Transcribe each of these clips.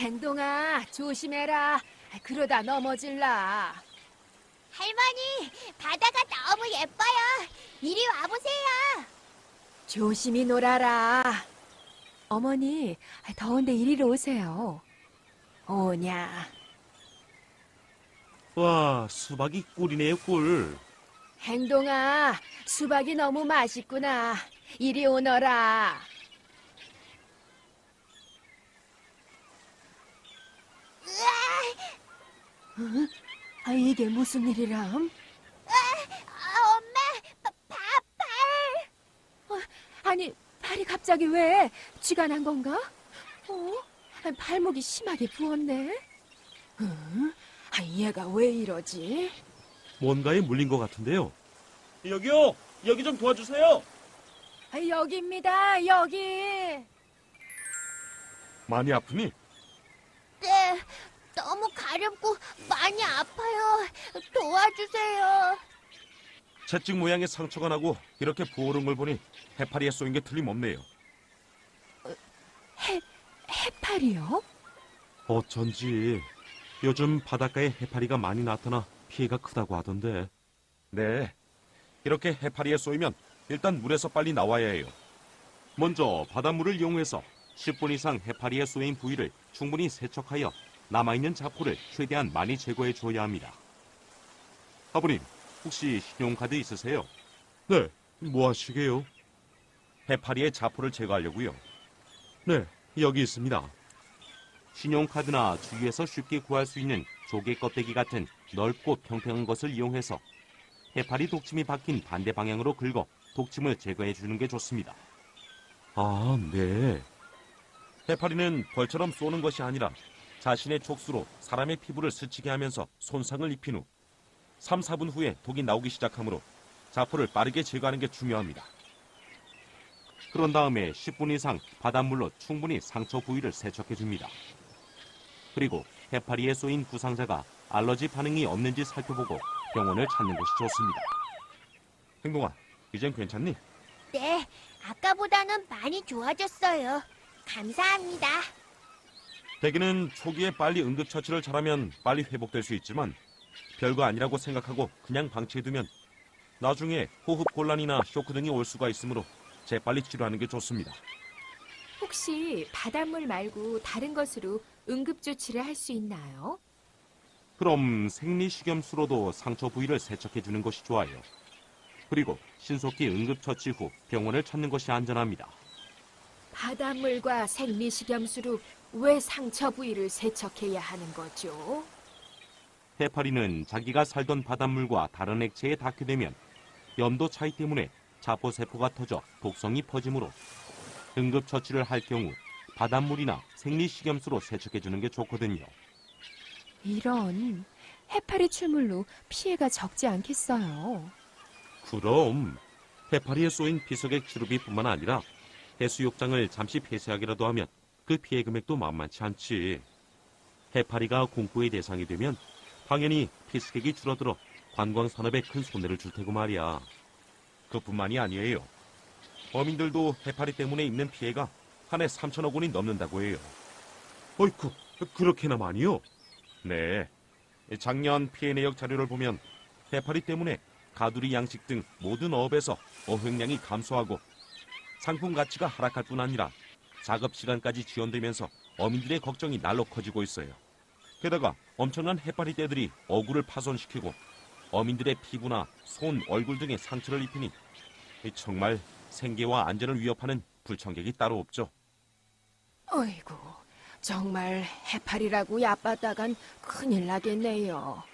행동아, 조심해라. 그러다 넘어질라. 할머니, 바다가 너무 예뻐요. 이리 와보세요. 조심히 놀아라. 어머니, 더운데 이리로 오세요. 오냐. 와, 수박이 꿀이네요, 꿀. 행동아, 수박이 너무 맛있구나. 이리 오너라. 응? 이게 무슨 일이람? 엄마, 발. 아니, 발이 갑자기 왜 쥐가 난 건가? 발목이 심하게 부었네. 응? 얘가 왜 이러지? 뭔가에 물린 것 같은데요. 여기요! 여기 좀 도와주세요! 여기입니다, 여기. 많이 아프니? 네, 너무 가렵고 많이 아파요. 도와주세요. 채찍 모양의 상처가 나고 이렇게 부어오른 걸 보니 해파리에 쏘인 게 틀림없네요. 해파리요? 어쩐지 요즘 바닷가에 해파리가 많이 나타나 피해가 크다고 하던데. 네, 이렇게 해파리에 쏘이면 일단 물에서 빨리 나와야 해요. 먼저 바닷물을 이용해서 10분 이상 해파리에 쏘인 부위를 충분히 세척하여 남아있는 자포를 최대한 많이 제거해 줘야 합니다. 아버님, 혹시 신용카드 있으세요? 네, 뭐 하시게요? 해파리의 자포를 제거하려고요. 네, 여기 있습니다. 신용카드나 주위에서 쉽게 구할 수 있는 조개 껍데기 같은 넓고 평평한 것을 이용해서 해파리 독침이 박힌 반대 방향으로 긁어 독침을 제거해 주는 게 좋습니다. 아, 네. 해파리는 벌처럼 쏘는 것이 아니라 자신의 촉수로 사람의 피부를 스치게 하면서 손상을 입힌 후 3, 4분 후에 독이 나오기 시작하므로 자포를 빠르게 제거하는 게 중요합니다. 그런 다음에 10분 이상 바닷물로 충분히 상처 부위를 세척해 줍니다. 그리고 해파리에 쏘인 부상자가 알러지 반응이 없는지 살펴보고 병원을 찾는 것이 좋습니다. 행동아, 이젠 괜찮니? 네, 아까보다는 많이 좋아졌어요. 감사합니다. 대개는 초기에 빨리 응급처치를 잘하면 빨리 회복될 수 있지만 별거 아니라고 생각하고 그냥 방치해두면 나중에 호흡곤란이나 쇼크 등이 올 수가 있으므로 재빨리 치료하는 게 좋습니다. 혹시 바닷물 말고 다른 것으로 응급조치를 할 수 있나요? 그럼 생리식염수로도 상처 부위를 세척해 주는 것이 좋아요. 그리고 신속히 응급처치 후 병원을 찾는 것이 안전합니다. 바닷물과 생리식염수로 왜 상처 부위를 세척해야 하는 거죠? 해파리는 자기가 살던 바닷물과 다른 액체에 닿게 되면 염도 차이 때문에 자포세포가 터져 독성이 퍼지므로 응급처치를 할 경우 바닷물이나 생리식염수로 세척해 주는 게 좋거든요. 이런, 해파리 출물로 피해가 적지 않겠어요. 그럼 해파리에 쏘인 피서객 치료비뿐만 아니라 해수욕장을 잠시 폐쇄하기라도 하면 그 피해 금액도 만만치 않지. 해파리가 공포의 대상이 되면 당연히 피서객이 줄어들어 관광산업에 큰 손해를 줄 테고 말이야. 그뿐만이 아니에요. 어민들도 해파리 때문에 입는 피해가 한 해 3천억 원이 넘는다고 해요. 어이쿠, 그렇게나 많이요? 네. 작년 피해 내역 자료를 보면 해파리 때문에 가두리 양식 등 모든 어업에서 어획량이 감소하고 상품 가치가 하락할 뿐 아니라 작업 시간까지 지연되면서 어민들의 걱정이 날로 커지고 있어요. 게다가 엄청난 해파리 떼들이 어구를 파손시키고 어민들의 피부나 손, 얼굴 등에 상처를 입히니 정말 생계와 안전을 위협하는 불청객이 따로 없죠. 어이구, 정말 해파리라고 얕봤다간 큰일 나겠네요.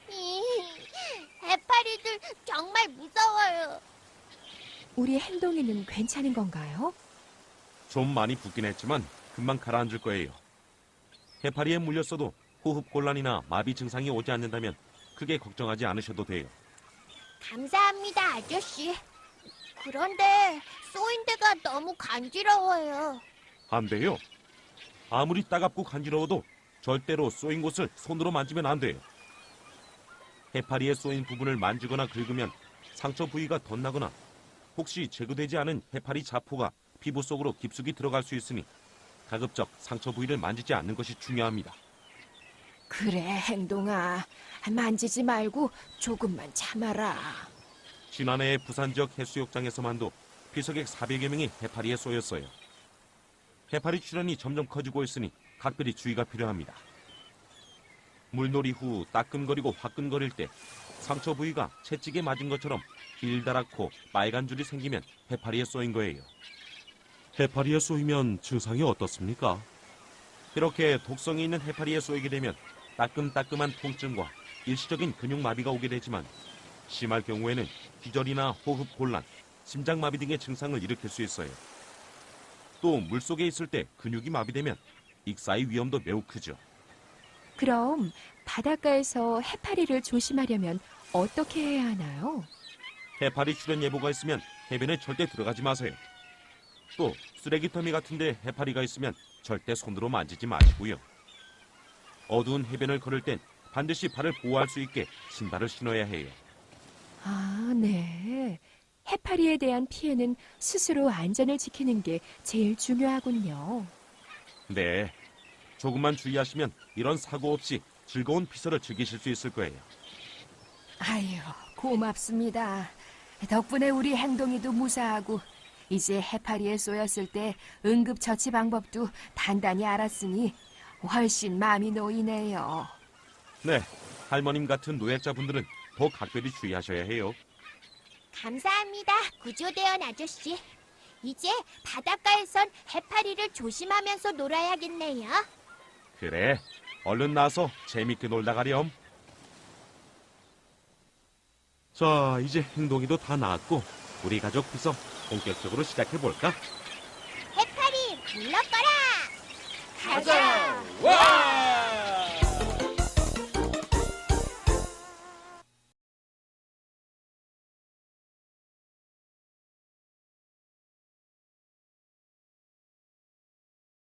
해파리들 정말 무서워요. 우리 행동이는 괜찮은 건가요? 좀 많이 붓긴 했지만 금방 가라앉을 거예요. 해파리에 물렸어도 호흡곤란이나 마비 증상이 오지 않는다면 크게 걱정하지 않으셔도 돼요. 감사합니다, 아저씨. 그런데 쏘인 데가 너무 간지러워요. 안 돼요. 아무리 따갑고 간지러워도 절대로 쏘인 곳을 손으로 만지면 안 돼요. 해파리에 쏘인 부분을 만지거나 긁으면 상처 부위가 덧나거나 혹시 제거되지 않은 해파리 자포가 피부 속으로 깊숙이 들어갈 수 있으니 가급적 상처 부위를 만지지 않는 것이 중요합니다. 그래, 행동아. 만지지 말고 조금만 참아라. 지난해 부산 지역 해수욕장에서만도 피서객 400여 명이 해파리에 쏘였어요. 해파리 출현이 점점 커지고 있으니 각별히 주의가 필요합니다. 물놀이 후 따끔거리고 화끈거릴 때 상처 부위가 채찍에 맞은 것처럼 길다랗고 빨간 줄이 생기면 해파리에 쏘인 거예요. 해파리에 쏘이면 증상이 어떻습니까? 이렇게 독성이 있는 해파리에 쏘이게 되면 따끔따끔한 통증과 일시적인 근육마비가 오게 되지만 심할 경우에는 기절이나 호흡 곤란, 심장마비 등의 증상을 일으킬 수 있어요. 또 물속에 있을 때 근육이 마비되면 익사의 위험도 매우 크죠. 그럼 바닷가에서 해파리를 조심하려면 어떻게 해야 하나요? 해파리 출현 예보가 있으면 해변에 절대 들어가지 마세요. 또 쓰레기터미 같은데 해파리가 있으면 절대 손으로 만지지 마시고요. 어두운 해변을 걸을 땐 반드시 발을 보호할 수 있게 신발을 신어야 해요. 아, 네. 해파리에 대한 피해는 스스로 안전을 지키는 게 제일 중요하군요. 네, 조금만 주의하시면 이런 사고 없이 즐거운 피서를 즐기실 수 있을 거예요. 아유, 고맙습니다. 덕분에 우리 행동이도 무사하고 이제 해파리에 쏘였을 때 응급처치 방법도 단단히 알았으니 훨씬 마음이 놓이네요. 네, 할머님 같은 노약자분들은 더 각별히 주의하셔야 해요. 감사합니다, 구조대원 아저씨. 이제 바닷가에선 해파리를 조심하면서 놀아야겠네요. 그래, 얼른 나와서 재밌게 놀다 가렴. 자, 이제 행동이도 다 나았고 우리 가족 피서 본격적으로 시작해볼까? 해파리 물러거라! 가자! 와!